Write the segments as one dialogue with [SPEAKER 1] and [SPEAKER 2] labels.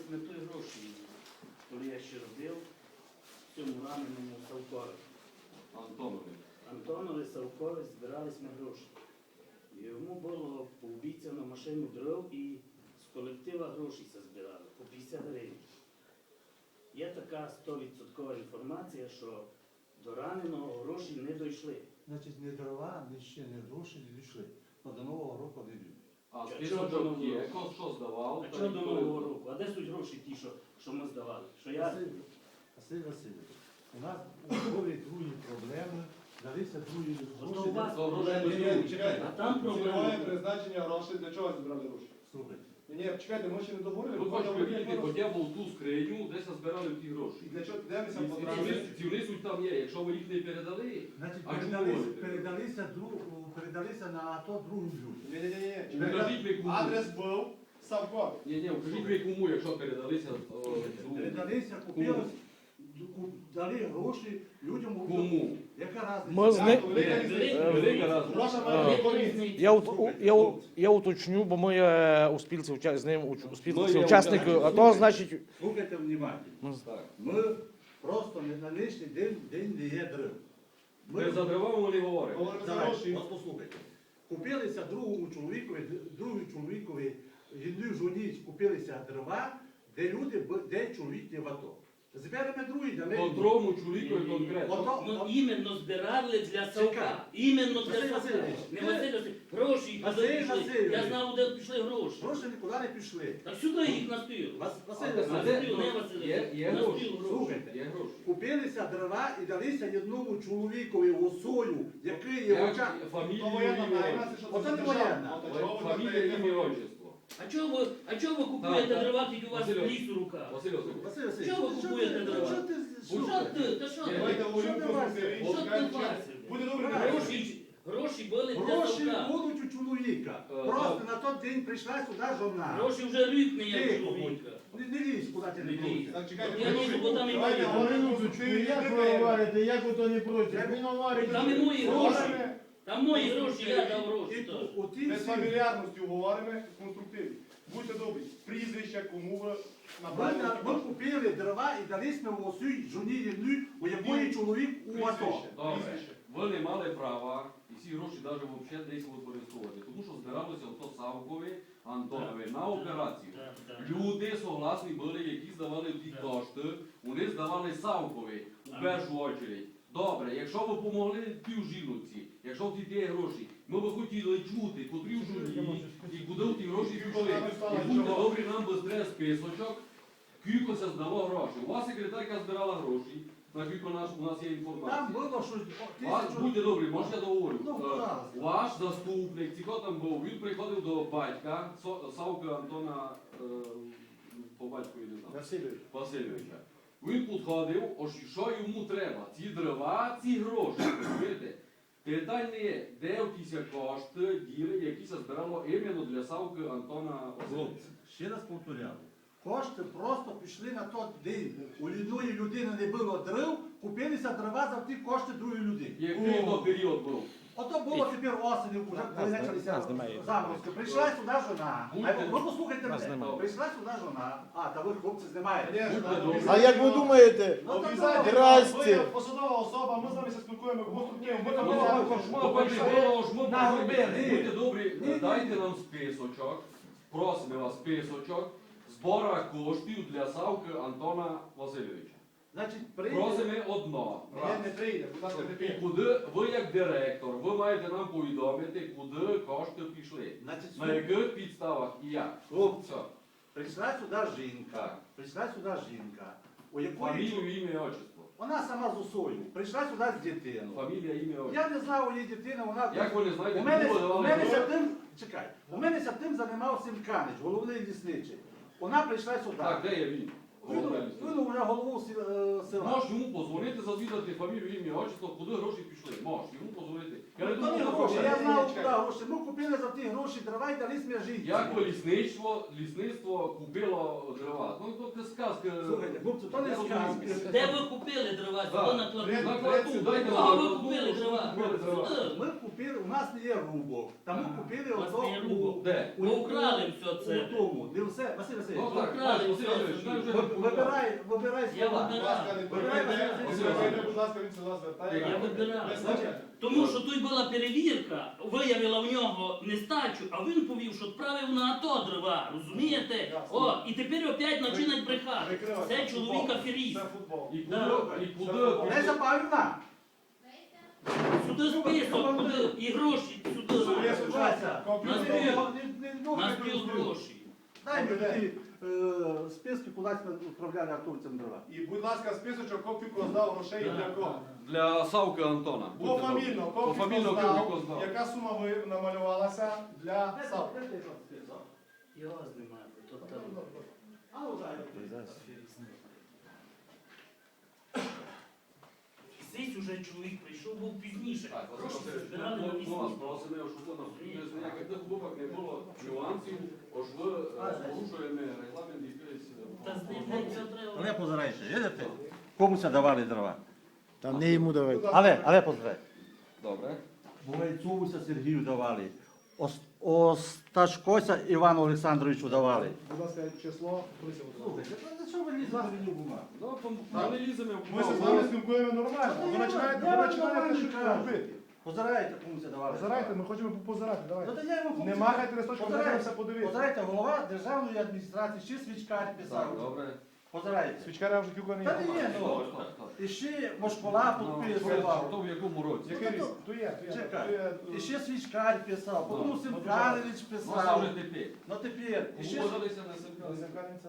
[SPEAKER 1] ми той гроші, коли я ще робив, в цьому раненому Савкові. Антонові Савкові збирались ми гроші. Йому було пообіцяно машину дров і з колектива гроші збирали по 50 гривень. Є така 100% інформація, що до раненого гроші не дійшли.
[SPEAKER 2] Значить, не дрова, ні ще не гроші не дійшли. Но до Нового року не йдуть.
[SPEAKER 3] А списочок є, що здавав?
[SPEAKER 1] А чого до Нового року? А де суть гроші ті, що ми здавали? Що я...
[SPEAKER 2] Василь Васильович, у нас були другі проблеми, далися другі
[SPEAKER 1] Ото у вас
[SPEAKER 2] гроші.
[SPEAKER 1] проблеми,
[SPEAKER 4] чекайте.
[SPEAKER 1] а там
[SPEAKER 4] Цільове
[SPEAKER 1] проблеми.
[SPEAKER 4] призначення грошей, для чого збирали гроші?
[SPEAKER 2] Слухайте.
[SPEAKER 4] Ні, чекайте, ми ще не договорили.
[SPEAKER 3] Ви хочете видіти хоча б у ту скриню, де збирали ті гроші.
[SPEAKER 4] І для чого де ми
[SPEAKER 3] І
[SPEAKER 4] сам потрапили?
[SPEAKER 3] ці внесуть там є, якщо ви їх не передали,
[SPEAKER 2] Значить,
[SPEAKER 3] А чому ви?
[SPEAKER 2] передалися на АТО другим людям.
[SPEAKER 4] Ні.
[SPEAKER 3] Покажіть ви кому.
[SPEAKER 4] Адрес був Савко.
[SPEAKER 3] Ні, покажіть ви кому, якщо передалися.
[SPEAKER 2] Передалися, купили, дали гроші людям.
[SPEAKER 3] Кому?
[SPEAKER 2] Яка
[SPEAKER 5] Ми
[SPEAKER 2] разниця?
[SPEAKER 3] Велика разниця.
[SPEAKER 4] Гроша має комісія.
[SPEAKER 5] Я уточню, бо ми у спілці з ним у спілці
[SPEAKER 3] Ну, я
[SPEAKER 5] учасники, а то значить.
[SPEAKER 2] Слухайте внимательно.
[SPEAKER 3] Так.
[SPEAKER 2] Ми просто на нинішній день не є дров.
[SPEAKER 3] Ми за дрова не говоримо.
[SPEAKER 4] Говоримо за
[SPEAKER 2] Давайте,
[SPEAKER 4] гроші.
[SPEAKER 2] от послухайте. Купилися другому чоловікові, жіною жоні купилися дрова, де люди, де чоловік не в АТО. Зберемо другий, дали.
[SPEAKER 3] Контрому чоловікові конкретно.
[SPEAKER 2] Ото,
[SPEAKER 1] Ну, іменно збирали для Савка.
[SPEAKER 2] Чекай.
[SPEAKER 1] Іменно для
[SPEAKER 2] Василь
[SPEAKER 1] Савка.
[SPEAKER 2] Васильович,
[SPEAKER 1] Не
[SPEAKER 2] ти-
[SPEAKER 1] Василь Васильович. Гроші
[SPEAKER 2] Василь
[SPEAKER 1] куди пішли.
[SPEAKER 2] Васильович.
[SPEAKER 1] Я знав, де пішли гроші.
[SPEAKER 2] гроші нікуди не пішли.
[SPEAKER 1] Так сюди їх на стіл.
[SPEAKER 2] Василь
[SPEAKER 3] А
[SPEAKER 2] Васильович,
[SPEAKER 3] де-
[SPEAKER 1] стіл, не Василь
[SPEAKER 3] Є
[SPEAKER 1] Васильович. На
[SPEAKER 3] гроші.
[SPEAKER 1] стіл гроші.
[SPEAKER 2] слухайте.
[SPEAKER 3] Є гроші.
[SPEAKER 2] Купилися дрова і далися одному чоловікові осою, який є в
[SPEAKER 3] Як
[SPEAKER 2] очах.
[SPEAKER 3] фамілію,
[SPEAKER 4] То воєнна
[SPEAKER 3] ім'я,
[SPEAKER 4] тайна, це що
[SPEAKER 2] Оце
[SPEAKER 4] це
[SPEAKER 2] не
[SPEAKER 4] державна.
[SPEAKER 2] воєнна.
[SPEAKER 4] От, а чого ви
[SPEAKER 3] фамілія,
[SPEAKER 4] даєте
[SPEAKER 3] ім'я,
[SPEAKER 4] гроші?
[SPEAKER 3] отчество.
[SPEAKER 1] А чого ви купуєте
[SPEAKER 3] Так,
[SPEAKER 1] дрова, тільки у вас
[SPEAKER 3] Василь
[SPEAKER 1] ліс у руках?
[SPEAKER 3] Василь Васильович.
[SPEAKER 2] Василь Васильович,
[SPEAKER 1] Чого ви
[SPEAKER 2] що
[SPEAKER 1] купуєте
[SPEAKER 2] ти-
[SPEAKER 1] дрова?
[SPEAKER 2] що ти-
[SPEAKER 1] Що
[SPEAKER 2] що ти?
[SPEAKER 1] ти? Та що ти?
[SPEAKER 4] Давайте говоримо
[SPEAKER 2] Що ти,
[SPEAKER 4] конструктивно.
[SPEAKER 1] Що ти,
[SPEAKER 4] Чекайте,
[SPEAKER 1] Вася?
[SPEAKER 4] буде добре.
[SPEAKER 1] Гроші були для
[SPEAKER 2] Гроші
[SPEAKER 1] Савка.
[SPEAKER 2] будуть у чоловіка. Просто на той день прийшла сюди жона.
[SPEAKER 1] Гроші вже рік не є
[SPEAKER 2] Тихо,
[SPEAKER 1] чоловіка.
[SPEAKER 2] Не лізь, куди ти не
[SPEAKER 1] Не лізь.
[SPEAKER 2] лізь.
[SPEAKER 4] Так, чекайте,
[SPEAKER 1] Я лізу, бо там і
[SPEAKER 4] давайте
[SPEAKER 1] мої.
[SPEAKER 4] говоримо
[SPEAKER 6] Як
[SPEAKER 4] конструктивно.
[SPEAKER 6] ви говорите, як ви то не проти? Він говорить.
[SPEAKER 1] Там і мої гроші. Там мої гроші, я дав
[SPEAKER 2] І
[SPEAKER 1] гроші. так.
[SPEAKER 2] у ті
[SPEAKER 4] Без
[SPEAKER 2] всі.
[SPEAKER 4] фамільярності говоримо конструктивно. Будьте добрі, прізвища, кому ви направили.
[SPEAKER 2] Ми купили дрова і дали ми в осю жоні єдну, у якої чоловік у АТО.
[SPEAKER 4] Прізвище,
[SPEAKER 3] Добре.
[SPEAKER 4] прізвище.
[SPEAKER 3] Ви не мали права і ці гроші навіть взагалі десь використовувати, тому що збиралося ото Савкові, Антонові на операцію.
[SPEAKER 1] Так, так.
[SPEAKER 3] Люди согласні були, які здавали ті кошти, вони здавали Савкові у першу очередь. Добре, якщо ви допомогли півжінці, якщо в ті гроші, ми би хотіли чути, котрі в журі, і куди в ті гроші пішли. І будьте добрі, нам би треба списочок, кілько це здало гроші. У вас секретарка збирала гроші, на кілько у нас є
[SPEAKER 2] Там
[SPEAKER 3] інформація.
[SPEAKER 2] було щось
[SPEAKER 3] Вас, будьте добрі, може я договорю.
[SPEAKER 2] Ну, будь ласка.
[SPEAKER 3] Ваш заступник, ці хто там був, він приходив до батька, Савка Антона, по батькові не знаю, Васильовича. Він підходив, ось що йому треба. Ці дрова, ці гроші, розумієте? Питання є, де в тіся кошти діли, які се збирало іменно для Савки Антона Васильовича.
[SPEAKER 2] Хлопці, ще раз повторяю. Кошти просто пішли на той день. У одної людини не було дров, купилися дрова за ті кошти другої людини.
[SPEAKER 3] Який то період був?
[SPEAKER 2] Ото було тепер осені, вже коли почалися
[SPEAKER 5] нас немає.
[SPEAKER 2] заморозки. Прийшла сюди жона. Ви послухайте
[SPEAKER 5] Нас
[SPEAKER 2] мене.
[SPEAKER 5] немає.
[SPEAKER 2] Прийшла сюди жона. А, та ви хлопці знімаєте.
[SPEAKER 3] Будьте добрі.
[SPEAKER 6] А як ви думаєте?
[SPEAKER 2] Ну, то
[SPEAKER 4] Обов'язково.
[SPEAKER 2] добре.
[SPEAKER 6] Здрасте.
[SPEAKER 4] Ви посадова особа, ми з вами спілкуємо конструктивно. Ми там
[SPEAKER 3] Ну,
[SPEAKER 4] були.
[SPEAKER 2] Наробили.
[SPEAKER 3] Будьте добрі,
[SPEAKER 2] Ні, ні.
[SPEAKER 3] дайте нам списочок, просимо вас списочок збора коштів для Савки Антона Васильовича.
[SPEAKER 2] Значить, прийде.
[SPEAKER 3] Просимо одно.
[SPEAKER 4] Ні, не прийде, будь ласка, не
[SPEAKER 3] І
[SPEAKER 4] прийде.
[SPEAKER 3] куди ви як директор, ви маєте нам повідомити, куди кошти пішли.
[SPEAKER 2] Значить,
[SPEAKER 3] На яких підставах і як.
[SPEAKER 2] Хлопці,
[SPEAKER 3] Все.
[SPEAKER 2] прийшла сюди жінка.
[SPEAKER 3] Так.
[SPEAKER 2] Прийшла сюди жінка. У якої
[SPEAKER 3] Фамілію, ім'я, отчество.
[SPEAKER 2] вона сама з усою. Прийшла сюди з дитиною.
[SPEAKER 3] Фамілія, ім'я, отчество.
[SPEAKER 2] Я не знав, у її дитина, вона...
[SPEAKER 3] Як ви не знаєте,
[SPEAKER 2] У мене,
[SPEAKER 3] кому ви
[SPEAKER 2] у
[SPEAKER 3] давали
[SPEAKER 2] мене
[SPEAKER 3] гроші?
[SPEAKER 2] ся тим, чекай, у мене ся тим займався Сімканич, головний лісничий. Вона прийшла сюди.
[SPEAKER 3] Так, де є він?
[SPEAKER 2] Він вже голову села.
[SPEAKER 3] Можеш йому позвонити, зазвідати фамілію, ім'я, отчество, куди гроші пішли. Можеш йому позвонити. Я не
[SPEAKER 2] То
[SPEAKER 3] думаю,
[SPEAKER 2] не
[SPEAKER 3] що
[SPEAKER 2] гроші,
[SPEAKER 3] це
[SPEAKER 2] я
[SPEAKER 3] гроші.
[SPEAKER 2] знав,
[SPEAKER 4] Чекай.
[SPEAKER 2] куди гроші. Ми купили за ті гроші дрова і дали жінці.
[SPEAKER 3] Як би лісництво купило дрова? Ну, то це сказка.
[SPEAKER 2] Слухайте, хлопці, то не
[SPEAKER 3] Я розумію.
[SPEAKER 2] сказки.
[SPEAKER 1] Де ви купили дрова?
[SPEAKER 3] Так.
[SPEAKER 1] Хто на плату?
[SPEAKER 3] На плату, дайте
[SPEAKER 1] Кого
[SPEAKER 3] нам.
[SPEAKER 1] ви купили дрова?
[SPEAKER 3] Купили дрова.
[SPEAKER 1] Сюди.
[SPEAKER 2] Ми купили купили, у нас не є рубок. Тому купили
[SPEAKER 1] У вас не є рубок.
[SPEAKER 3] Де?
[SPEAKER 1] Ви украли все це.
[SPEAKER 2] У тому. Не все, Василь
[SPEAKER 3] Ну
[SPEAKER 2] Васильович.
[SPEAKER 3] так,
[SPEAKER 1] Украли
[SPEAKER 3] Василь Васильович,
[SPEAKER 1] все.
[SPEAKER 3] ми вже
[SPEAKER 2] Вибирай
[SPEAKER 1] Я
[SPEAKER 2] слова.
[SPEAKER 4] Будь ласка, не
[SPEAKER 2] Вибирай,
[SPEAKER 4] приймайте.
[SPEAKER 2] Василь
[SPEAKER 4] Василь, будь ласка, він сюди звертає.
[SPEAKER 1] Я вибираю.
[SPEAKER 4] Без значення.
[SPEAKER 1] Тому що тут була перевірка, виявила в нього нестачу, а він повів, що відправив на АТО дрова, розумієте?
[SPEAKER 4] Ясно.
[SPEAKER 1] О, і тепер опять починають брехати.
[SPEAKER 4] Прикривайте.
[SPEAKER 1] Це чоловік аферіст.
[SPEAKER 4] Це футбол.
[SPEAKER 3] І куди,
[SPEAKER 1] Да.
[SPEAKER 3] і куди,
[SPEAKER 2] Леся Павлівна.
[SPEAKER 1] Сюди список, куди і гроші сюди.
[SPEAKER 2] Вася,
[SPEAKER 4] Комп'ютер.
[SPEAKER 1] На спіл гроші.
[SPEAKER 2] Дай мені ті списки, куди ми відправляли автобусом дрова.
[SPEAKER 4] І, будь ласка, списочок, копіку здав грошей для кого?
[SPEAKER 3] Для Савки Антона.
[SPEAKER 4] Пофамільно,
[SPEAKER 3] Пофамільно
[SPEAKER 4] копіку
[SPEAKER 3] копіку
[SPEAKER 4] здав.
[SPEAKER 3] здав.
[SPEAKER 4] Яка сума намалювалася для Савки?
[SPEAKER 1] Його знімати, то там. Здесь уже чоловік прийшов, був пізніше. Гроші збирали на місці.
[SPEAKER 3] Просимо, щоб у нас без ніяких глибок не було нюансів, ось ви порушуємо регламент якийсь.
[SPEAKER 1] Та з ним не все треба.
[SPEAKER 2] Але позирайте, видите? Комусь давали дрова.
[SPEAKER 6] Там не йому давайте.
[SPEAKER 2] Але позирайте.
[SPEAKER 3] Добре.
[SPEAKER 2] Бугайцовуся Сергію давали. Осташкося Івану Олександровичу давали.
[SPEAKER 4] Будь ласка, число.
[SPEAKER 2] Слухайте, за що ви лізете мені в бумагу?
[SPEAKER 3] Ну, ми не ліземо в
[SPEAKER 4] Ми з вами спілкуємо нормально. Ви починаєте щось робити.
[SPEAKER 2] Позирайте, комусь давали.
[SPEAKER 4] Позирайте, ми хочемо позирати,
[SPEAKER 2] Ну,
[SPEAKER 4] давайте.
[SPEAKER 2] то я йому
[SPEAKER 4] Не махайте листочком,
[SPEAKER 2] Позирайте.
[SPEAKER 4] дивимося, подивитися.
[SPEAKER 2] Позирайте, голова державної адміністрації, ще свічкар
[SPEAKER 3] Так,
[SPEAKER 2] писав.
[SPEAKER 3] добре.
[SPEAKER 2] Позирайте.
[SPEAKER 4] Свічкаря вже кілька не
[SPEAKER 2] Та не є,
[SPEAKER 3] Так,
[SPEAKER 2] ну.
[SPEAKER 3] так, так.
[SPEAKER 2] І ще Мошкола підписував.
[SPEAKER 3] То в якому році?
[SPEAKER 4] Який рік? То є, то є.
[SPEAKER 2] Чекай. І ще свічкар писав, потім
[SPEAKER 3] Ну,
[SPEAKER 2] Симканович
[SPEAKER 3] Ну, це
[SPEAKER 2] писав.
[SPEAKER 3] вже тепер.
[SPEAKER 2] Ну тепер. І ще
[SPEAKER 3] Погодилися на Сенкаль.
[SPEAKER 4] Земканиця?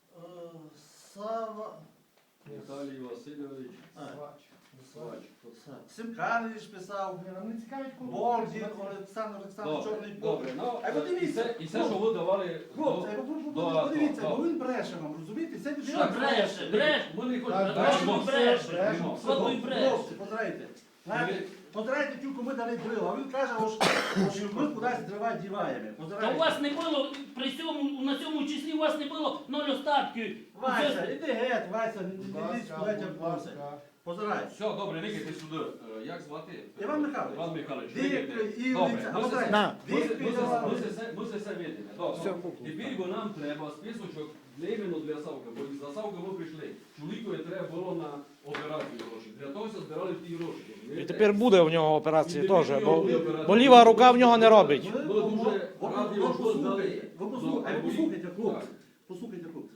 [SPEAKER 2] Сава.
[SPEAKER 3] Віталій Васильович Свач.
[SPEAKER 2] Симканович писав.
[SPEAKER 4] Нам не цікавить кому.
[SPEAKER 2] Болдін, Олександр Олександрович
[SPEAKER 3] Добре,
[SPEAKER 2] Чорний
[SPEAKER 3] добре. Ну,
[SPEAKER 2] А ви дивіться.
[SPEAKER 3] і все, що ви давали.
[SPEAKER 2] Хлопці, подивіться,
[SPEAKER 3] до-
[SPEAKER 2] бо він бреше вам, розумієте? Це
[SPEAKER 1] Що
[SPEAKER 2] людина
[SPEAKER 1] бреше? Бреше?
[SPEAKER 3] Ми не
[SPEAKER 4] Так,
[SPEAKER 3] хочемо.
[SPEAKER 1] бреше,
[SPEAKER 3] Бреше.
[SPEAKER 1] бреше. Що той бреше?
[SPEAKER 2] Хлопці, позирайте. Знаєте, позирайте, тільки ми дали дрила, а він каже, що ми кудись дрова діваємо.
[SPEAKER 1] Та у
[SPEAKER 2] Позирайте.
[SPEAKER 1] вас не було, при цьому, на цьому числі у вас не було 0 остатків.
[SPEAKER 2] Вася, іди геть, Вася, не лізь, куди тебе
[SPEAKER 4] Будь
[SPEAKER 2] просить.
[SPEAKER 4] ласка.
[SPEAKER 2] Позирай.
[SPEAKER 3] Все, добре, никайте сюди. Як звати?
[SPEAKER 2] Іван Михайлович.
[SPEAKER 3] Іван Михайлович.
[SPEAKER 2] Дикий,
[SPEAKER 3] никайте.
[SPEAKER 2] Ілиця,
[SPEAKER 3] Добре,
[SPEAKER 2] а позирай.
[SPEAKER 6] На.
[SPEAKER 2] Дикий давали.
[SPEAKER 3] ми це все видимо. Добре. Тепер бо нам треба списочок іменно для Савки, бо за Савки ми прийшли. Чоловікові треба було на операцію гроші. Для того все збирали ті гроші.
[SPEAKER 5] І
[SPEAKER 3] розумієте?
[SPEAKER 5] тепер буде в нього операції
[SPEAKER 3] І
[SPEAKER 5] теж,
[SPEAKER 3] тепер
[SPEAKER 5] бо,
[SPEAKER 3] буде операція.
[SPEAKER 5] бо ліва рука в нього не робить.
[SPEAKER 3] Ми дуже раді, що ви здали.
[SPEAKER 2] Ви
[SPEAKER 3] Ну,
[SPEAKER 2] послухайте, хлопці.
[SPEAKER 3] так.
[SPEAKER 2] Послухайте, хлопці.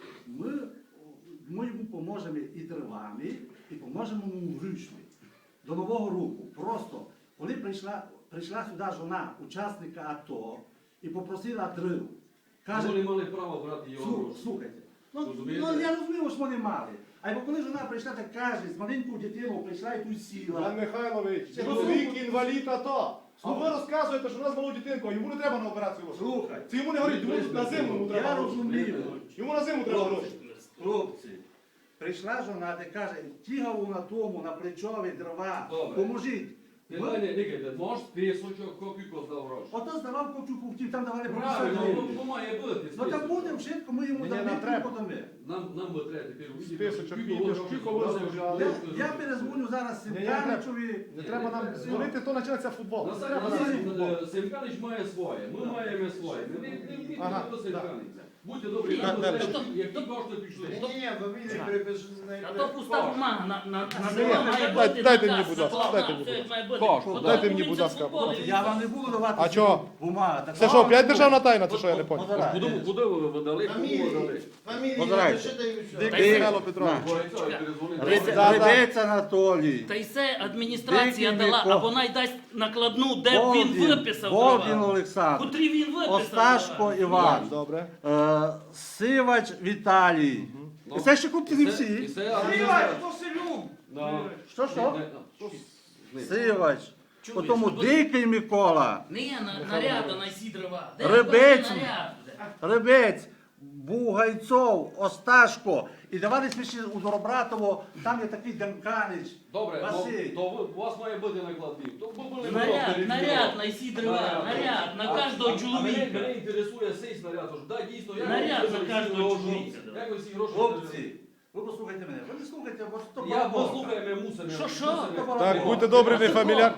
[SPEAKER 2] Ми йому поможемо і дровами, і поможемо йому вручну. До Нового року. Просто, коли прийшла сюди жона учасника АТО і попросила дров, каже,
[SPEAKER 3] Ми не мали права брати його гроші.
[SPEAKER 2] слухайте, ну
[SPEAKER 3] Розумієте?
[SPEAKER 2] я розумію, що вони мали. А коли жона прийшла, так каже, з маленькою дитиною прийшла і тут сіла.
[SPEAKER 4] Іван Михайлович,
[SPEAKER 2] Це
[SPEAKER 4] чоловік інвалід АТО. А ви розказуєте, що у нас малу дитинку, а йому не треба на операцію гроші.
[SPEAKER 2] Слухай,
[SPEAKER 4] Це йому не говорить, йому на зиму йому треба
[SPEAKER 2] я
[SPEAKER 4] гроші.
[SPEAKER 2] розумію.
[SPEAKER 4] Йому на зиму треба гроші.
[SPEAKER 2] Хлопці, прийшла жона та каже, тягав на тому, на плечові дрова,
[SPEAKER 3] Добре.
[SPEAKER 2] поможіть.
[SPEAKER 3] Ти мене, никайте, можеш списочок, копійку здав гроші.
[SPEAKER 2] Ото здавав копчу купців, там давали по 50
[SPEAKER 3] Правильно,
[SPEAKER 2] гривень.
[SPEAKER 3] ну має бути
[SPEAKER 2] Ну
[SPEAKER 3] списочок.
[SPEAKER 2] так буде, вшитко ми йому
[SPEAKER 4] Ні,
[SPEAKER 2] дамо,
[SPEAKER 4] нам треба.
[SPEAKER 2] подамо.
[SPEAKER 3] Нам би треба тепер увидіти.
[SPEAKER 4] Списочок,
[SPEAKER 3] скільки
[SPEAKER 4] і
[SPEAKER 3] ви
[SPEAKER 4] скільки
[SPEAKER 3] грошей
[SPEAKER 4] ви
[SPEAKER 3] збирали,
[SPEAKER 4] заробляли.
[SPEAKER 2] Я перезвоню зараз
[SPEAKER 4] Ні, ні,
[SPEAKER 2] Сім'яничові.
[SPEAKER 4] Не треба нам дзвонити, то почнеться футбол. Не треба нам футбол.
[SPEAKER 3] Семканич має своє, ми маємо своє. Не вмійте
[SPEAKER 4] Ага,
[SPEAKER 3] до Семканича. Будьте добрі,
[SPEAKER 1] Ні,
[SPEAKER 3] нам
[SPEAKER 1] ну,
[SPEAKER 3] треба,
[SPEAKER 1] то-
[SPEAKER 3] які кошти пішли.
[SPEAKER 1] А то пуста бумага на
[SPEAKER 4] Ні,
[SPEAKER 1] дрова має
[SPEAKER 4] дайте-
[SPEAKER 1] бути
[SPEAKER 4] дайте
[SPEAKER 1] наказ,
[SPEAKER 4] мені, будь ласка,
[SPEAKER 1] накладна,
[SPEAKER 4] дайте мені,
[SPEAKER 1] все
[SPEAKER 4] будь
[SPEAKER 1] як має бути.
[SPEAKER 3] Кошти,
[SPEAKER 1] Потім
[SPEAKER 4] дайте мені,
[SPEAKER 1] він
[SPEAKER 4] будь
[SPEAKER 1] це
[SPEAKER 4] ласка.
[SPEAKER 1] футбол, і
[SPEAKER 2] Я вам не буду давати
[SPEAKER 4] А чого?
[SPEAKER 2] бумагу.
[SPEAKER 4] Це що, опять державна тайна, це що я не понял?
[SPEAKER 3] Куди ви видали? Кому видали?
[SPEAKER 2] Позирайте.
[SPEAKER 4] Дикий Михайло Петрович.
[SPEAKER 2] Рибець Анатолій.
[SPEAKER 1] Та й це адміністрація
[SPEAKER 2] Дикий
[SPEAKER 1] дала,
[SPEAKER 2] Микола.
[SPEAKER 1] а вона й дасть накладну, де б він виписав
[SPEAKER 2] Болдін
[SPEAKER 1] права.
[SPEAKER 2] Олександр.
[SPEAKER 1] Котрі він виписав
[SPEAKER 2] Осташко
[SPEAKER 1] права.
[SPEAKER 2] Іван.
[SPEAKER 4] Добре.
[SPEAKER 2] Сивач Віталій. І це ще купці не
[SPEAKER 3] І
[SPEAKER 2] всі.
[SPEAKER 3] це адміністрація. Да.
[SPEAKER 2] Що?
[SPEAKER 3] Не,
[SPEAKER 2] Сивач.
[SPEAKER 1] Чуєш,
[SPEAKER 2] Потім
[SPEAKER 1] ну,
[SPEAKER 2] Дикий Микола.
[SPEAKER 1] Не є наряда на сі дрова. Де
[SPEAKER 2] Рибець.
[SPEAKER 1] кожен наряд?
[SPEAKER 2] Рибець, Бугайцов, Осташко. І давали ще у Доробратово, там є такий Демканич.
[SPEAKER 3] Добре,
[SPEAKER 2] Василь.
[SPEAKER 3] то у вас має бути накладний. То ви були
[SPEAKER 1] Наряд на сі дрова, наряд на кожного
[SPEAKER 3] Мене
[SPEAKER 1] чоловіка.
[SPEAKER 3] інтересує цей снаряд, тож да, дійсно, як
[SPEAKER 1] Наряд
[SPEAKER 3] ви
[SPEAKER 1] на
[SPEAKER 3] всі
[SPEAKER 1] кожного
[SPEAKER 3] гроші-
[SPEAKER 1] чоловіка, да.
[SPEAKER 3] Як ви всі гроші
[SPEAKER 2] Хлопці, Ви послухайте мене. Ви не слухайте, бо то
[SPEAKER 3] Я
[SPEAKER 2] Бог.
[SPEAKER 3] послухаю, ми мусимо.
[SPEAKER 1] Що?
[SPEAKER 3] мусимо.
[SPEAKER 5] Так, будьте добрі, не фамільяр.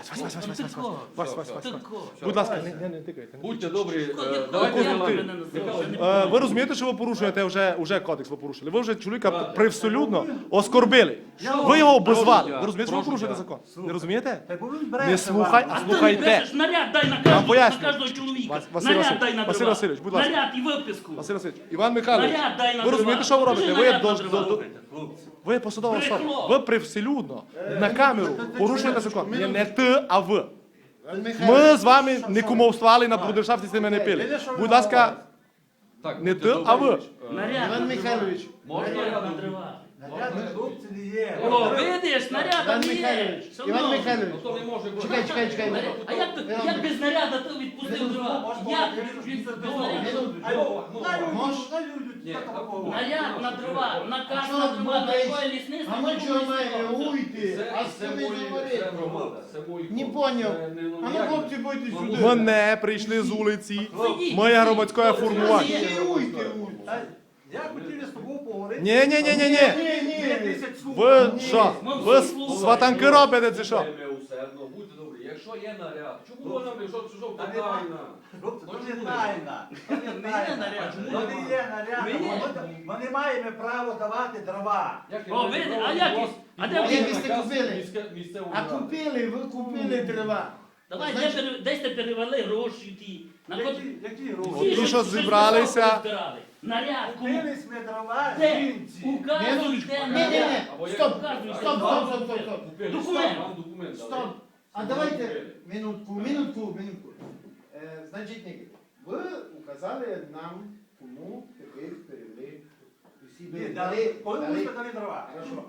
[SPEAKER 1] Тако.
[SPEAKER 5] Будь ласка, не тикайте.
[SPEAKER 3] Будьте добрі,
[SPEAKER 1] Як
[SPEAKER 3] давайте
[SPEAKER 1] мене
[SPEAKER 3] Микола.
[SPEAKER 1] називав, я не
[SPEAKER 5] Ви розумієте, що ви порушуєте вже кодекс ви порушили? Ви вже чоловіка привселюдно оскорбили. Ви його обозвали. Ви розумієте, що ви
[SPEAKER 3] Прошу
[SPEAKER 5] порушуєте
[SPEAKER 3] я.
[SPEAKER 5] закон? Не розумієте?
[SPEAKER 2] Та бо він бреше
[SPEAKER 5] Не слухай,
[SPEAKER 2] вам.
[SPEAKER 5] а
[SPEAKER 1] А ти
[SPEAKER 5] слухайте.
[SPEAKER 1] пишеш, наряд дай на
[SPEAKER 5] вам
[SPEAKER 1] кожного,
[SPEAKER 5] поясню.
[SPEAKER 1] на кожного чоловіка.
[SPEAKER 5] Василь
[SPEAKER 1] Наряд
[SPEAKER 5] Васильович,
[SPEAKER 1] дай на
[SPEAKER 5] Василь
[SPEAKER 1] дрова.
[SPEAKER 5] Васильович, будь ласка.
[SPEAKER 1] Наряд і виписку.
[SPEAKER 5] Василь Васильович, Іван Михайлович,
[SPEAKER 1] Наряд дай на
[SPEAKER 5] ви розумієте, що ви
[SPEAKER 1] дрова.
[SPEAKER 5] робите?
[SPEAKER 1] Покажи
[SPEAKER 5] Ви
[SPEAKER 1] наряд на дрова.
[SPEAKER 5] ви є посадова особа.
[SPEAKER 1] Брехло.
[SPEAKER 5] Ви привселюдно на камеру порушуєте закон. Не ти, а ви.
[SPEAKER 6] Іван
[SPEAKER 5] Ми
[SPEAKER 6] Михайлович,
[SPEAKER 5] з вами не кумовствували, на брудершафті з ними не пили. Будь ласка,
[SPEAKER 3] Так,
[SPEAKER 5] не
[SPEAKER 3] будьте
[SPEAKER 5] ти, а ви.
[SPEAKER 3] добрі.
[SPEAKER 1] Наряд
[SPEAKER 6] Іван
[SPEAKER 1] на
[SPEAKER 6] Михайлович,
[SPEAKER 1] дрова.
[SPEAKER 3] Можна
[SPEAKER 1] Наряд
[SPEAKER 3] я
[SPEAKER 1] на
[SPEAKER 3] не
[SPEAKER 1] дрова.
[SPEAKER 2] Наряд на хлопці не є.
[SPEAKER 1] О, видиш, наряд
[SPEAKER 6] Іван
[SPEAKER 1] не є.
[SPEAKER 6] Михайлович,
[SPEAKER 1] Що
[SPEAKER 6] Іван
[SPEAKER 1] можна?
[SPEAKER 6] Михайлович,
[SPEAKER 3] Ну, то не може бути.
[SPEAKER 6] чекай.
[SPEAKER 1] А як без наряда ти відпустив дрова? Як без наряду?
[SPEAKER 3] Ні,
[SPEAKER 1] Наряд на дрова, наказ
[SPEAKER 6] Що
[SPEAKER 1] на
[SPEAKER 6] ви
[SPEAKER 1] дрова, на
[SPEAKER 6] думаєте?
[SPEAKER 1] якої лісництво.
[SPEAKER 6] А ми чого маємо уйти?
[SPEAKER 3] Це,
[SPEAKER 6] А
[SPEAKER 3] це
[SPEAKER 6] що ви
[SPEAKER 3] мої, це громада,
[SPEAKER 6] говорите?
[SPEAKER 3] це мої
[SPEAKER 6] Не
[SPEAKER 3] хлопці.
[SPEAKER 6] поняв.
[SPEAKER 3] Це не, ну,
[SPEAKER 6] А ну,
[SPEAKER 3] як
[SPEAKER 6] хлопці,
[SPEAKER 3] ви?
[SPEAKER 6] будьте
[SPEAKER 3] Ну,
[SPEAKER 6] сюди.
[SPEAKER 5] Мене прийшли з вулиці.
[SPEAKER 1] Сидіть,
[SPEAKER 5] Моє
[SPEAKER 1] сидіть.
[SPEAKER 5] громадське
[SPEAKER 1] Хлопці,
[SPEAKER 5] формування.
[SPEAKER 6] Уйти.
[SPEAKER 2] Я хотів з тобою поговорити.
[SPEAKER 5] Ні.
[SPEAKER 2] Ні.
[SPEAKER 5] Ви що? Ви сватанки робите чи що?
[SPEAKER 3] Слухайте усердно, будьте добрі. Якщо є наряд, чому ви нам, якщо чужого
[SPEAKER 2] Та
[SPEAKER 3] тайна?
[SPEAKER 2] Хлопці,
[SPEAKER 3] Ну,
[SPEAKER 2] то не
[SPEAKER 3] чому?
[SPEAKER 2] тайна. То не
[SPEAKER 1] Ми є
[SPEAKER 2] тайна.
[SPEAKER 1] наряд.
[SPEAKER 2] Вони є наряд.
[SPEAKER 1] Ми є.
[SPEAKER 2] Ми маємо право давати дрова.
[SPEAKER 1] О, видите, а як їх? А де
[SPEAKER 6] ви
[SPEAKER 1] ви
[SPEAKER 6] сте купили?
[SPEAKER 3] Місцевого
[SPEAKER 6] А купили, ви купили дрова.
[SPEAKER 1] Давай, десь ти перевели гроші ті. На
[SPEAKER 2] Які гроші?
[SPEAKER 5] От ті, що зібралися.
[SPEAKER 1] Наряд, кому?
[SPEAKER 2] Купили ми дрова
[SPEAKER 1] Де?
[SPEAKER 2] жінці.
[SPEAKER 1] Указуйте
[SPEAKER 6] Ні,
[SPEAKER 1] наряд.
[SPEAKER 6] стоп,
[SPEAKER 1] Указуйте.
[SPEAKER 6] стоп.
[SPEAKER 1] Документ.
[SPEAKER 3] Документ.
[SPEAKER 6] Стоп. А давайте минутку. Значить, Нікіт, ви указали нам, кому тепер перевели усі
[SPEAKER 2] Ні, дали. Коли ми дали дрова?
[SPEAKER 6] Хорошо.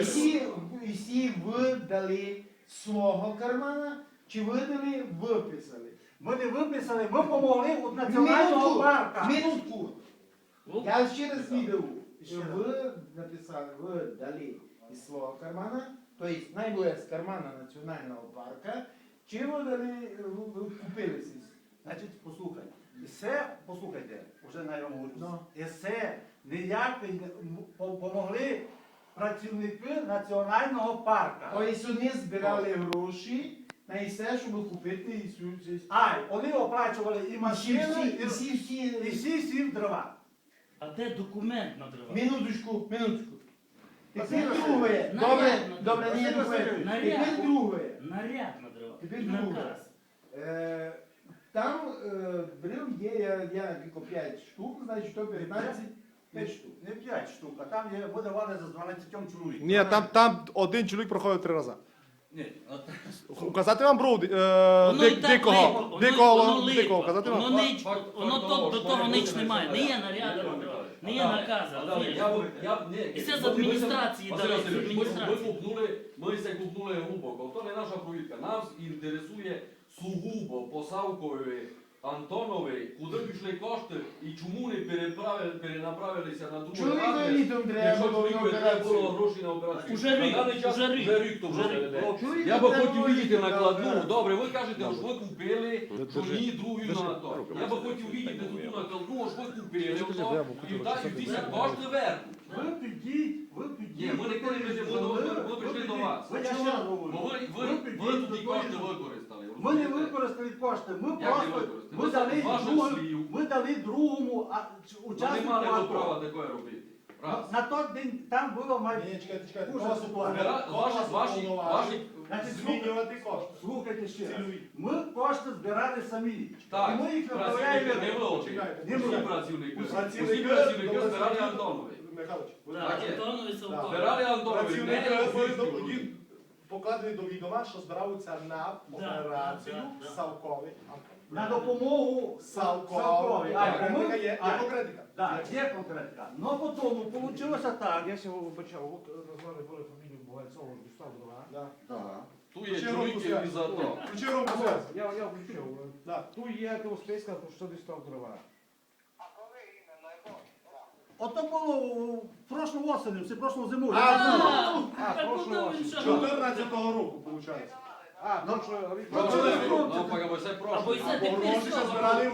[SPEAKER 6] Усі ви дали свого кармана, чи ви дали виписали?
[SPEAKER 2] Ми не виписали, ми помогли від національного парка.
[SPEAKER 6] Минутку. Я ще раз відео. Ви написали, ви дали із свого кармана, то есть найбільше з кармана національного парка, чи ви дали, ви купили сісь?
[SPEAKER 2] Значить, послухай. І це, послухайте, вже на йому говорю.
[SPEAKER 6] Ну.
[SPEAKER 2] І це ніяк помогли працівники національного парка.
[SPEAKER 6] Тобто вони збирали гроші на все, щоб купити і сюди.
[SPEAKER 2] Вони оплачували і машини, і
[SPEAKER 6] всі.
[SPEAKER 2] всі дрова.
[SPEAKER 1] А де документ на дрова?
[SPEAKER 6] Минуточку.
[SPEAKER 2] Василь
[SPEAKER 6] Тепер
[SPEAKER 2] Васильович,
[SPEAKER 6] друге.
[SPEAKER 1] наряд
[SPEAKER 6] Добре,
[SPEAKER 1] на
[SPEAKER 6] ні,
[SPEAKER 2] Василь Васильович,
[SPEAKER 6] Тепер друге.
[SPEAKER 1] Наряд на дрова.
[SPEAKER 6] Тепер
[SPEAKER 1] І
[SPEAKER 6] друге.
[SPEAKER 1] наказ.
[SPEAKER 6] Там брил є, я тільки 5 штук, значить, то 15, 5 штук.
[SPEAKER 2] Не 5 штук, а там є, ми давали за 12 чоловік.
[SPEAKER 5] Ні, там один чоловік проходив 3 рази.
[SPEAKER 1] Ні,
[SPEAKER 5] Указати вам бруд,
[SPEAKER 1] воно і так
[SPEAKER 5] дикого,
[SPEAKER 1] липо, воно
[SPEAKER 5] дикого, указати вам?
[SPEAKER 1] воно до того ніч немає. Не є наряду на дрова. Не є наказу. розумієш? І це з адміністрації дали, з адміністрації.
[SPEAKER 3] Ми це купнули глибоко. То не наша провідка. Нас інтересує сугубо по Савкові Антонові, куди пішли кошти і чому не перенаправилися на другу
[SPEAKER 6] Чоловіку
[SPEAKER 3] адрес,
[SPEAKER 6] літом треба
[SPEAKER 3] якщо
[SPEAKER 6] було на
[SPEAKER 3] чоловіку треба було
[SPEAKER 6] операцію.
[SPEAKER 3] гроші на операцію.
[SPEAKER 1] Уже рік,
[SPEAKER 3] На даний час
[SPEAKER 1] уже рік.
[SPEAKER 3] вже рік тому
[SPEAKER 1] Уже рік.
[SPEAKER 3] веде.
[SPEAKER 6] Чоловіку
[SPEAKER 3] Я би
[SPEAKER 6] треба
[SPEAKER 3] хотів
[SPEAKER 6] було
[SPEAKER 3] видіти
[SPEAKER 6] їхати на
[SPEAKER 3] накладну.
[SPEAKER 6] операцію.
[SPEAKER 3] Добре, ви кажете, що ви купили, що ні, другу на то. Я би хотів видіти ту накладну, що ви купили, і ті кошти вернуть.
[SPEAKER 2] Ви підіть.
[SPEAKER 3] Ні, ми не кажемо, ми прийшли до вас.
[SPEAKER 2] Я ще раз говорю.
[SPEAKER 3] Бо ви тоді кошти використали.
[SPEAKER 2] Ми не використали кошти, ми
[SPEAKER 3] Як не
[SPEAKER 2] просто
[SPEAKER 3] використали?
[SPEAKER 2] ми дали другому учаснику
[SPEAKER 3] Нема
[SPEAKER 2] АТО.
[SPEAKER 3] права такое робити. Раз.
[SPEAKER 2] На той день там було
[SPEAKER 6] Ні, чекайте.
[SPEAKER 2] Дуже ситуація.
[SPEAKER 3] Ваші
[SPEAKER 2] Значить,
[SPEAKER 4] Змінювати кошти.
[SPEAKER 2] слухайте ще раз. Ми кошти збирали самі.
[SPEAKER 3] так,
[SPEAKER 2] І ми їх
[SPEAKER 3] працівники
[SPEAKER 2] направляємо.
[SPEAKER 3] не вилучили.
[SPEAKER 2] Не
[SPEAKER 3] Усі
[SPEAKER 2] вилучили.
[SPEAKER 3] працівники. Усі
[SPEAKER 4] Працівники
[SPEAKER 3] працівники
[SPEAKER 4] добре,
[SPEAKER 3] збирали
[SPEAKER 4] знають.
[SPEAKER 3] Антонові.
[SPEAKER 4] Михайлович,
[SPEAKER 1] Так,
[SPEAKER 3] Так є.
[SPEAKER 1] Антонові Савкові.
[SPEAKER 3] Збирали Антонові.
[SPEAKER 4] працівники
[SPEAKER 3] не
[SPEAKER 4] були
[SPEAKER 3] усі.
[SPEAKER 4] покладені до відома, що збираються на операцію
[SPEAKER 1] да.
[SPEAKER 4] Савкові.
[SPEAKER 2] На допомогу
[SPEAKER 4] Савкові.
[SPEAKER 2] А,
[SPEAKER 4] Конкретика є
[SPEAKER 2] а,
[SPEAKER 4] конкретика.
[SPEAKER 2] Так, є конкретика. Ну потім вийшло так.
[SPEAKER 7] Я себе вибачав, от назвали були фамілію Бугальцова, Густав Дрова.
[SPEAKER 3] Тут є чоловіки і за то.
[SPEAKER 4] Включи руку связь.
[SPEAKER 7] Я включив.
[SPEAKER 4] Да.
[SPEAKER 7] Тут є списка, що дістав Дрова.
[SPEAKER 2] Ото було в прошлу осені, в прошлу зиму.
[SPEAKER 1] Так куди він ще?
[SPEAKER 4] 14-го року, виходить.
[SPEAKER 7] А, тому що
[SPEAKER 3] Ну, поки бо це
[SPEAKER 1] Або
[SPEAKER 3] прошло.
[SPEAKER 1] й це
[SPEAKER 4] Бо
[SPEAKER 1] тепер
[SPEAKER 4] гроші ще збирали в літі.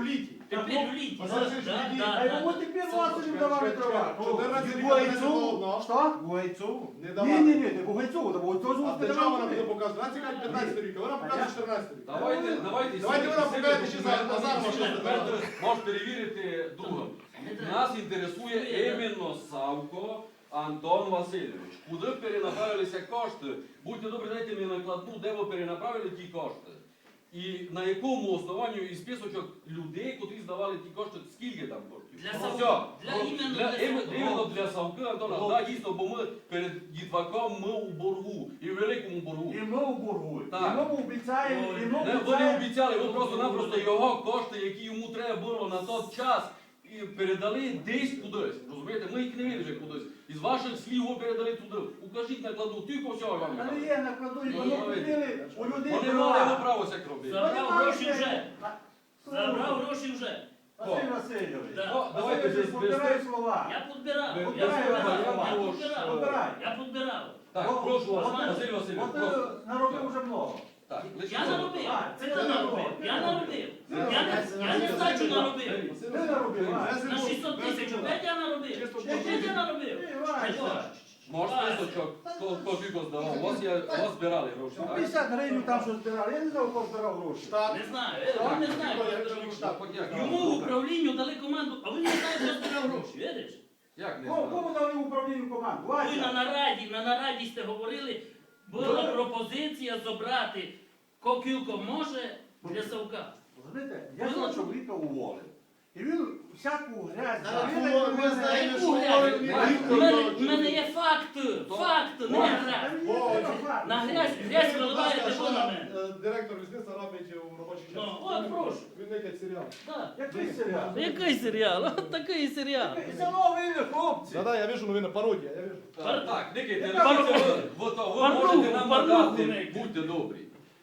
[SPEAKER 1] Тепер в літі.
[SPEAKER 4] Василь Васильович,
[SPEAKER 1] Да,
[SPEAKER 4] які-
[SPEAKER 1] да,
[SPEAKER 2] А
[SPEAKER 1] да.
[SPEAKER 2] йому тепер Василю давали дрова.
[SPEAKER 4] 14 рік
[SPEAKER 6] Бойцу.
[SPEAKER 4] одно.
[SPEAKER 2] Що?
[SPEAKER 6] Бойцову.
[SPEAKER 4] Не
[SPEAKER 2] Ні,
[SPEAKER 4] давали.
[SPEAKER 2] ні, не Бугайцову, Бугайцову
[SPEAKER 4] А для чого вона буде показувати? Вона цікавить 15 рік, а вона показує 14 рік.
[SPEAKER 3] Давайте
[SPEAKER 4] Давайте
[SPEAKER 3] всі
[SPEAKER 4] вона
[SPEAKER 3] всі
[SPEAKER 4] покаже, чи
[SPEAKER 3] документи,
[SPEAKER 4] зараз Назар може
[SPEAKER 3] документи
[SPEAKER 4] сказати.
[SPEAKER 3] можеш перевірити другом.
[SPEAKER 1] Не треба.
[SPEAKER 3] Нас інтересує іменно Савко Антон Васильович. Куди перенаправилися кошти? Будьте добрі, дайте мені накладну, де ви перенаправили ті кошти. І на якому основанню із списочок людей, котрі здавали ті кошти, скільки там коштів?
[SPEAKER 1] Для
[SPEAKER 3] Ну,
[SPEAKER 1] Савка.
[SPEAKER 3] все.
[SPEAKER 1] Для
[SPEAKER 3] Ну,
[SPEAKER 1] іменно
[SPEAKER 3] для,
[SPEAKER 1] для Савка.
[SPEAKER 3] іменно для Савка Антона. Так, дійсно, бо ми перед дітваком ми у боргу. І в великому боргу.
[SPEAKER 2] І ми у боргу. І
[SPEAKER 3] Так.
[SPEAKER 2] ми обіцяємо, і ми
[SPEAKER 3] Не, вони
[SPEAKER 2] обіцяємо.
[SPEAKER 3] обіцяли, ви просто-напросто його кошти, які йому треба було на той час, і передали десь кудись. Розумієте? Ми їх не вірили кудись. Із ваших слів ви передали туди. Укажіть накладу, тільки всього вам.
[SPEAKER 2] Та не є накладу, і вони купили у людей
[SPEAKER 3] Вони
[SPEAKER 2] дрова.
[SPEAKER 3] мали право всяк робити.
[SPEAKER 1] Забрав
[SPEAKER 2] Вони
[SPEAKER 1] гроші
[SPEAKER 2] мають-
[SPEAKER 1] вже. Забрав гроші вже.
[SPEAKER 2] Василь Васильович.
[SPEAKER 1] Да.
[SPEAKER 3] Ну, давайте
[SPEAKER 2] Василь,
[SPEAKER 3] без
[SPEAKER 2] подбирай слова.
[SPEAKER 1] Я підбирав.
[SPEAKER 3] Ви-
[SPEAKER 1] Я
[SPEAKER 3] ви-
[SPEAKER 1] підбирав.
[SPEAKER 3] ви-
[SPEAKER 1] Я
[SPEAKER 3] ви-
[SPEAKER 1] підбирав.
[SPEAKER 2] Подбирай.
[SPEAKER 1] Я підбирав.
[SPEAKER 3] Так, прошу вас,
[SPEAKER 2] От ти-
[SPEAKER 3] Василь Васильович,
[SPEAKER 2] От ти
[SPEAKER 3] прошу.
[SPEAKER 2] наробив вже много.
[SPEAKER 3] Так, лише
[SPEAKER 1] Я наробив.
[SPEAKER 2] Так,
[SPEAKER 1] Це я наробив. Я наробив. Я не здачу наробив.
[SPEAKER 2] Ти наробив, а?
[SPEAKER 1] На 600 тисяч опять я наробив. Опять я наробив.
[SPEAKER 2] Ти, Вася.
[SPEAKER 3] Може списочок, хто скільки здавав. У вас збирали гроші, так?
[SPEAKER 2] 50 гривень там що збирали. Я не знав, хто збирав гроші.
[SPEAKER 4] Штат.
[SPEAKER 1] Не знаю. Я не знаю. Йому в
[SPEAKER 3] Йому
[SPEAKER 1] управлінню дали команду, а він не знає, хто збирав гроші. Видиш?
[SPEAKER 3] Як не
[SPEAKER 2] Кому
[SPEAKER 3] знаю?
[SPEAKER 2] кому дали в управлінню команду?
[SPEAKER 1] Ви
[SPEAKER 2] Вася.
[SPEAKER 1] на нараді сте говорили, була пропозиція забрати кілко може для Савка.
[SPEAKER 2] Розумієте, я цього чоловіка уволив. І він всяку грязь.
[SPEAKER 6] Ми знаємо, що
[SPEAKER 1] У мене є факт, не грязь. На грязь виливаєте ви на мене.
[SPEAKER 4] Директор лісництва робить у робочий час.
[SPEAKER 1] Ну, от прошу.
[SPEAKER 4] Він летить серіал.
[SPEAKER 1] Так.
[SPEAKER 2] Який серіал?
[SPEAKER 1] Який серіал? От такий серіал.
[SPEAKER 2] Це новий хлопці.
[SPEAKER 4] Да, я вижу, новина пародія, я вижу.
[SPEAKER 3] Так, Никита,
[SPEAKER 2] Яка
[SPEAKER 3] дивіться,
[SPEAKER 1] парнуху?
[SPEAKER 3] ви можете нам
[SPEAKER 1] Парнуху
[SPEAKER 3] надати,
[SPEAKER 1] Никита.
[SPEAKER 3] будьте добрі.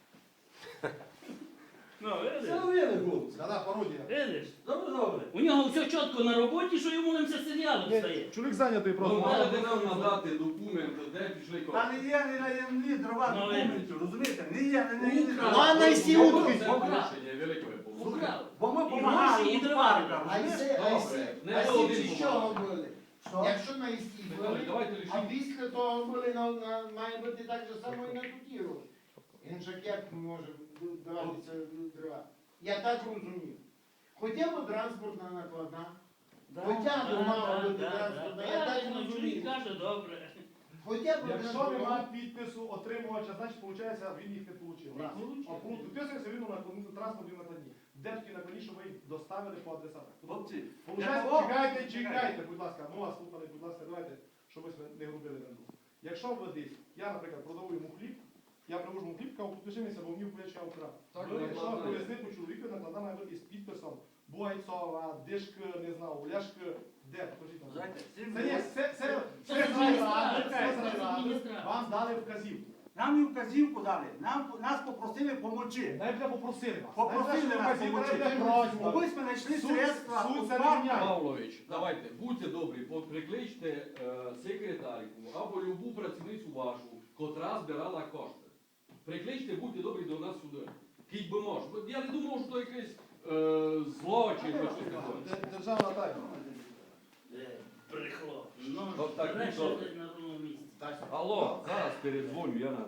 [SPEAKER 1] Ну,
[SPEAKER 2] Це
[SPEAKER 1] видиш?
[SPEAKER 2] новий хлопці.
[SPEAKER 4] Да, пародія.
[SPEAKER 1] Видиш?
[SPEAKER 2] Добре, добре.
[SPEAKER 1] У нього все чітко на роботі, що йому не все серіалом стає.
[SPEAKER 4] Чоловік зайнятий
[SPEAKER 3] Ви
[SPEAKER 4] просто.
[SPEAKER 3] можете нам надати документи, де пішли
[SPEAKER 2] Та
[SPEAKER 3] кошти.
[SPEAKER 2] не є ні дрова
[SPEAKER 1] Ну,
[SPEAKER 2] документів, розумієте? Не є дрова.
[SPEAKER 6] Ладно, і всі утки.
[SPEAKER 3] Це порушення велике ви порушення.
[SPEAKER 1] Украв.
[SPEAKER 2] Бо ми
[SPEAKER 1] І
[SPEAKER 2] допомагали
[SPEAKER 1] гроші, і
[SPEAKER 2] у
[SPEAKER 1] дрова.
[SPEAKER 2] парках,
[SPEAKER 6] А
[SPEAKER 2] розумієте?
[SPEAKER 3] Не було один
[SPEAKER 6] з чого були?
[SPEAKER 2] Що?
[SPEAKER 6] Якщо на істі
[SPEAKER 3] Михайло,
[SPEAKER 6] були,
[SPEAKER 3] давайте
[SPEAKER 6] а
[SPEAKER 3] лишимо.
[SPEAKER 6] після того були, має бути так же само і на туті гроші. Він же як може даватися дрова? Я так розумію. Хоча б транспортна накладна, хоча б мала бути транспортна, я так
[SPEAKER 1] Чоловік
[SPEAKER 6] розумію.
[SPEAKER 1] каже, добре.
[SPEAKER 6] Хоча б
[SPEAKER 4] Якщо
[SPEAKER 6] транспортна.
[SPEAKER 4] немає підпису отримувача, значить, виходить, він їх не отримав. А підписується він на транспортній накладні. Де такі накладні, що ви їх доставили по адресах?
[SPEAKER 2] Хлопці,
[SPEAKER 4] Получається, чекайте, будь ласка, ми вас слухали, будь ласка, давайте, щоб ми не грубили на друг. Якщо ви десь, я, наприклад, продаю йому хліб, я привожу йому хліб, кажу, підпиши мені, бо мені вплече украв.
[SPEAKER 3] Так,
[SPEAKER 4] Ви, якщо
[SPEAKER 3] накладна є.
[SPEAKER 4] повезли по чоловіку, накладна має бути із підписом Бойцова, Дишк, не знаю, Ляшк, де, покажіть нам.
[SPEAKER 2] знаєте,
[SPEAKER 4] Це є, це
[SPEAKER 1] Це
[SPEAKER 4] з райради,
[SPEAKER 1] адміністрація,
[SPEAKER 4] це з
[SPEAKER 1] це
[SPEAKER 4] райради,
[SPEAKER 1] адміністрація.
[SPEAKER 4] вам дали вказівку.
[SPEAKER 2] нам і вказівку дали, нас попросили помочи.
[SPEAKER 4] Навіть не попросили вас.
[SPEAKER 2] Попросили
[SPEAKER 4] Навіть
[SPEAKER 2] нас
[SPEAKER 4] вказівка,
[SPEAKER 2] помочи.
[SPEAKER 4] навіть просьба.
[SPEAKER 2] Ось ми знайшли
[SPEAKER 4] Суд-
[SPEAKER 2] средства
[SPEAKER 4] суд
[SPEAKER 2] у
[SPEAKER 4] це не
[SPEAKER 2] парках.
[SPEAKER 4] міняє.
[SPEAKER 3] Павлович, давайте, будьте добрі, прикличте секретарку або любу працівницю вашу, котра збирала кошти. Прикличте, будьте добрі до нас сюди. Кіть би може. Бо я не думав, що то якийсь злочин чи щось таке.
[SPEAKER 4] Державна тайна.
[SPEAKER 1] Брехло. Ну,
[SPEAKER 3] От так,
[SPEAKER 1] бреше
[SPEAKER 3] добре.
[SPEAKER 1] десь на ровному місці.
[SPEAKER 3] Алло, зараз передзвоню, я на...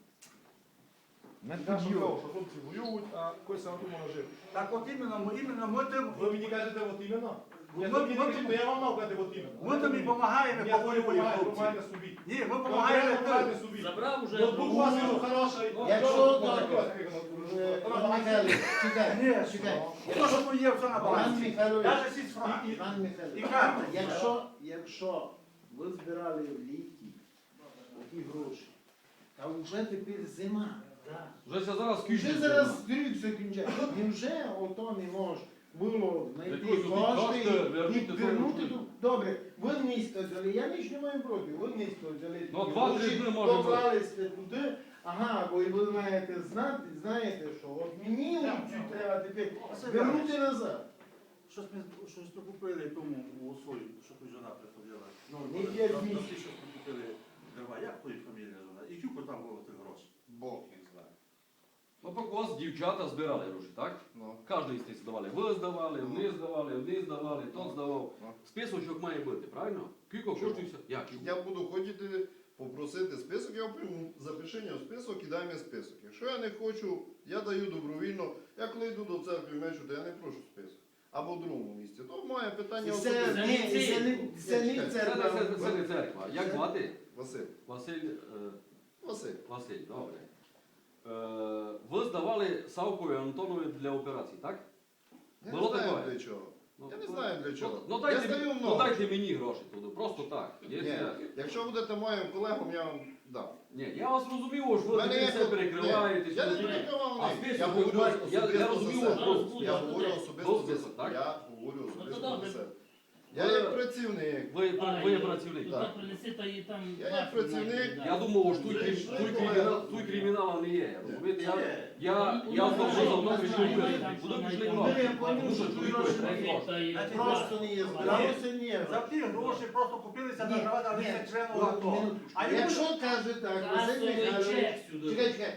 [SPEAKER 4] Я ж кажу, що хлопці воюють, а когось сам думав жив.
[SPEAKER 2] Так от іменно ми тим,
[SPEAKER 4] Ви мені кажете, от іменно?
[SPEAKER 2] Ми-
[SPEAKER 4] Я
[SPEAKER 2] ми-
[SPEAKER 4] тобі не кажу, то я вам мав казати, от іменно.
[SPEAKER 2] ми тобі допомагаємо,
[SPEAKER 4] Ні,
[SPEAKER 2] по
[SPEAKER 4] ви
[SPEAKER 2] волі
[SPEAKER 4] допомагаєте,
[SPEAKER 2] хлопці.
[SPEAKER 4] допомагаєте собі.
[SPEAKER 2] Ні, ми
[SPEAKER 4] Конкретно
[SPEAKER 2] допомагаємо
[SPEAKER 4] допомагаєте
[SPEAKER 2] тим.
[SPEAKER 4] собі.
[SPEAKER 1] Забрав уже.
[SPEAKER 4] Ноутбук у вас він хороший.
[SPEAKER 6] Якщо
[SPEAKER 4] Іван
[SPEAKER 6] Іван Михайлович, чекай,
[SPEAKER 2] Ні,
[SPEAKER 6] чекай.
[SPEAKER 2] То, що тут є, все на
[SPEAKER 6] Іван
[SPEAKER 2] балансі.
[SPEAKER 6] Михайлович,
[SPEAKER 2] Даже 6 франків.
[SPEAKER 6] Іван
[SPEAKER 2] І
[SPEAKER 6] Михайлович,
[SPEAKER 2] карта.
[SPEAKER 6] якщо ви збирали в літі такі гроші, а вже тепер зима.
[SPEAKER 3] Вже зараз
[SPEAKER 6] Вже
[SPEAKER 3] кінчиться.
[SPEAKER 6] зараз крик закінчає. Невже ото не може було знайти
[SPEAKER 3] Якось
[SPEAKER 6] кошти
[SPEAKER 3] кошти
[SPEAKER 6] і
[SPEAKER 3] вернути
[SPEAKER 6] вернути
[SPEAKER 3] тому
[SPEAKER 6] тут? Добре, ви місто взяли, я ніч не маю проти, ви місто взяли.
[SPEAKER 3] Ну,
[SPEAKER 6] такі
[SPEAKER 3] 2-3
[SPEAKER 6] гроші,
[SPEAKER 3] дні може бути.
[SPEAKER 6] поклалися туди, ага, бо ви маєте знати, знаєте, що от мені лучше треба тепер вернути назад.
[SPEAKER 2] Щось ми купили тому у Осою, що тут жона приходила.
[SPEAKER 6] Ну, не 5
[SPEAKER 2] Щось
[SPEAKER 6] місяців.
[SPEAKER 2] ми купили дрова. Як твоя фамілія жона? І кілько там було тих грошей?
[SPEAKER 6] Бог їх знає.
[SPEAKER 2] Ну,
[SPEAKER 3] Тобто у вас дівчата збирали гроші, так?
[SPEAKER 4] Ну.
[SPEAKER 3] Кожен із них здавали. Ви здавали, вони здавали, тот здавав.
[SPEAKER 4] Ну.
[SPEAKER 3] Списочок має бути, правильно? Кілько коштує все? Як?
[SPEAKER 8] Я буду хотіти попросити список, я прийму запишення в список і дай мені список. Якщо я не хочу, я даю добровільно. Я коли йду до церкви мечу, то я не прошу список. Або в другому місці. То моє питання
[SPEAKER 6] Це
[SPEAKER 8] особисте.
[SPEAKER 6] не церква.
[SPEAKER 3] Це не церква. Як звати?
[SPEAKER 8] Василь.
[SPEAKER 3] Василь,
[SPEAKER 8] Василь.
[SPEAKER 3] добре. Ви здавали Савкові Антонові для операції, так?
[SPEAKER 8] Я
[SPEAKER 3] Було
[SPEAKER 8] не знаю
[SPEAKER 3] таке?
[SPEAKER 8] для чого.
[SPEAKER 3] Ну,
[SPEAKER 8] Я не знаю для чого.
[SPEAKER 3] Ну,
[SPEAKER 8] Я
[SPEAKER 3] дайте,
[SPEAKER 8] здаю
[SPEAKER 3] ну
[SPEAKER 8] много.
[SPEAKER 3] дайте мені гроші туди, просто так. Є,
[SPEAKER 8] Ні,
[SPEAKER 3] є.
[SPEAKER 8] якщо будете моїм колегом, я вам дам.
[SPEAKER 3] Ні, я вас розумію, що ви
[SPEAKER 8] Мене
[SPEAKER 3] таке
[SPEAKER 8] є
[SPEAKER 3] все
[SPEAKER 8] тут-
[SPEAKER 3] перекриваєтесь.
[SPEAKER 8] Я не
[SPEAKER 3] тут-
[SPEAKER 8] перекривав
[SPEAKER 3] А
[SPEAKER 8] ні.
[SPEAKER 3] список
[SPEAKER 8] Я
[SPEAKER 3] ви
[SPEAKER 8] говорю
[SPEAKER 3] кажете, я
[SPEAKER 8] особисто
[SPEAKER 3] розумію,
[SPEAKER 8] за себе.
[SPEAKER 3] що
[SPEAKER 8] Я говорю особисто за
[SPEAKER 3] список, так?
[SPEAKER 8] себе. Я говорю особисто
[SPEAKER 1] добре.
[SPEAKER 8] за себе. Я
[SPEAKER 3] Ви-
[SPEAKER 8] як працівник.
[SPEAKER 3] Ви є працівник.
[SPEAKER 1] Тут
[SPEAKER 8] Так.
[SPEAKER 1] принеси, то і там...
[SPEAKER 8] Я як працівник,
[SPEAKER 3] Я думав, що тут кримінала не є. Розумієте, я знову давно прийшов вирішити. Куди пішли гроші? Тому що чоловікові треба гроші.
[SPEAKER 6] Просто не є, збиралося ні.
[SPEAKER 2] За ті гроші просто купилися на дрова, дали члену АТО. А йому
[SPEAKER 6] Якщо каже так, Василь Михайлович, чекай,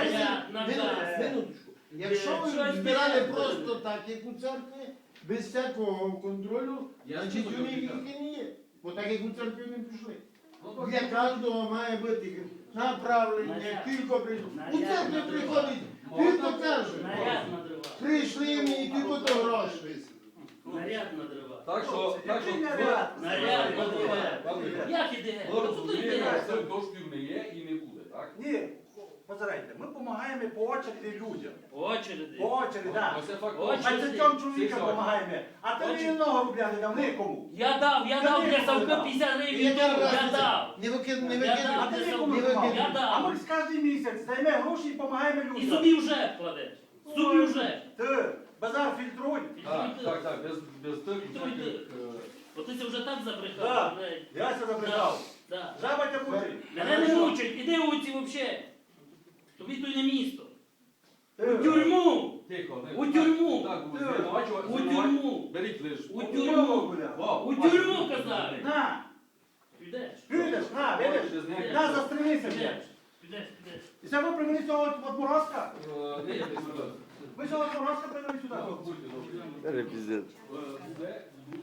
[SPEAKER 6] минуточку. Якщо ви збирали просто так, як у церкві, без всякого контролю,
[SPEAKER 3] Я
[SPEAKER 6] значить
[SPEAKER 3] список
[SPEAKER 6] вони
[SPEAKER 3] відкрив.
[SPEAKER 6] тільки не є. Бо так як у церкві не пішли.
[SPEAKER 3] Ну,
[SPEAKER 6] Для кожного має бути направлення, кілько прийшло. У церкві приходить, кілько каже.
[SPEAKER 1] Наряд на дрова.
[SPEAKER 6] Прийшли мені кілько то грошей.
[SPEAKER 1] Наряд на дрова.
[SPEAKER 3] Так що,
[SPEAKER 1] Наряд на дрова.
[SPEAKER 3] Пане,
[SPEAKER 1] Як іде?
[SPEAKER 3] ви
[SPEAKER 1] Ну, тут
[SPEAKER 3] розумієте,
[SPEAKER 1] іде.
[SPEAKER 3] що коштів не є і не буде, так?
[SPEAKER 2] Ні, позирайте, ми допомагаємо по очереді людям.
[SPEAKER 1] По очереді.
[SPEAKER 2] По очереді, так.
[SPEAKER 3] Ось це факт.
[SPEAKER 1] Ось.
[SPEAKER 2] 20 чоловікам допомагаємо. А ти ні одного рубля не дав нікому.
[SPEAKER 1] Я дав для Савка 50 гривень, я дав.
[SPEAKER 6] Не викидуй, не
[SPEAKER 1] Я
[SPEAKER 6] викидуй.
[SPEAKER 1] дав.
[SPEAKER 2] А ти нікому
[SPEAKER 6] не
[SPEAKER 2] не давав.
[SPEAKER 1] Я дав.
[SPEAKER 2] А ми кожен місяць даємо гроші і допомагаємо
[SPEAKER 1] І
[SPEAKER 2] людям.
[SPEAKER 1] собі вже кладеш. Собі вже.
[SPEAKER 2] Ти, базар фільтруй.
[SPEAKER 3] Так, без тих всяких,
[SPEAKER 1] От ти це вже так
[SPEAKER 2] Да.
[SPEAKER 1] забрехав. блядь.
[SPEAKER 2] Я це забрехав.
[SPEAKER 1] Да.
[SPEAKER 2] Жаба тя буде.
[SPEAKER 1] Мене не мучать, іди вулиці взагалі. Тобі тут не місто.
[SPEAKER 2] Ти.
[SPEAKER 1] У тюрму!
[SPEAKER 3] Тихо, не-
[SPEAKER 1] У тюрму!
[SPEAKER 3] Так,
[SPEAKER 1] У тюрму!
[SPEAKER 3] Беріть лиш.
[SPEAKER 1] У тюрму!
[SPEAKER 3] Вау,
[SPEAKER 1] У тюрму казали!
[SPEAKER 2] На,
[SPEAKER 1] Підеш.
[SPEAKER 2] підеш, на, видиш. На, застрелися,
[SPEAKER 1] Підеш.
[SPEAKER 2] блядь.
[SPEAKER 1] Підеш, підеш.
[SPEAKER 2] І це ви привели цього от Морозка?
[SPEAKER 3] Ні, не сюди.
[SPEAKER 2] Ви цього Морозка привели сюди?
[SPEAKER 3] Будьте добрі. Буде